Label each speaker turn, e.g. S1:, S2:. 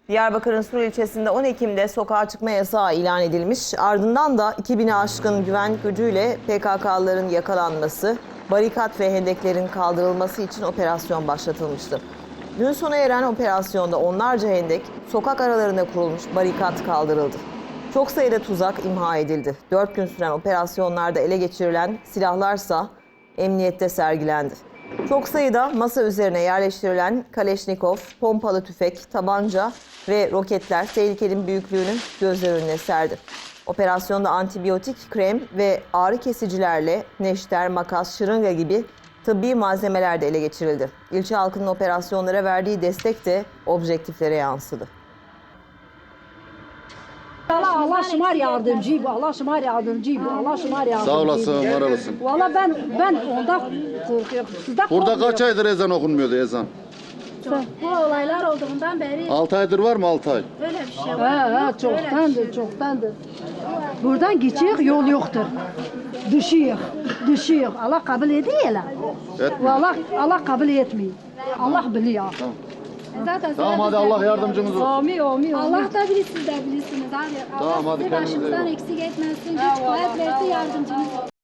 S1: Diyarbakır'ın Sur ilçesinde 10 Ekim'de sokağa çıkma yasağı ilan edilmiş. Ardından da 2000'e aşkın güvenlik gücüyle PKK'lıların yakalanması, barikat ve hendeklerin kaldırılması için operasyon başlatılmıştı. Dün sona eren operasyonda onlarca hendek, sokak aralarında kurulmuş barikat kaldırıldı. Çok sayıda tuzak imha edildi. 4 gün süren operasyonlarda ele geçirilen silahlarsa emniyette sergilendi. Çok sayıda masa üzerine yerleştirilen Kaleşnikov, pompalı tüfek, tabanca ve roketler tehlikenin büyüklüğünü gözler önüne serdi. Operasyonda antibiyotik, krem ve ağrı kesicilerle neşter, makas, şırınga gibi tıbbi malzemeler de ele geçirildi. İlçe halkının operasyonlara verdiği destek de objektiflere yansıdı.
S2: Allah şımar yardımcı bu, Allah şımar yardımcı bu, Allah şımar yardımcı.
S3: Sağ olasın, var olasın.
S2: Valla ben ondan korkuyorum.
S3: Burada kaç aydır ezan okunmuyordu ezan?
S4: Bu olaylar olduğundan beri
S3: 6 aydır var mı 6 ay?
S4: öyle bir şey var.
S2: Çoktandır, çoktandır. Buradan geçiyor, yol yoktur. Düşüyor. Allah kabul ediyor ya.
S3: Etmiyor.
S2: Allah kabul etmiyor. Allah biliyor.
S4: Zaten
S3: Tamam hadi Allah yardımcımız olsun.
S2: Amin.
S4: Allah da bilir, siz de bilirsiniz. Hadi.
S3: Tamam,
S4: Allah
S3: hadi
S4: sizi
S3: kendinize iyi
S4: başımızdan
S3: bakın.
S4: eksik etmesin. Güç kuvvet versin, yardımcınız olsun.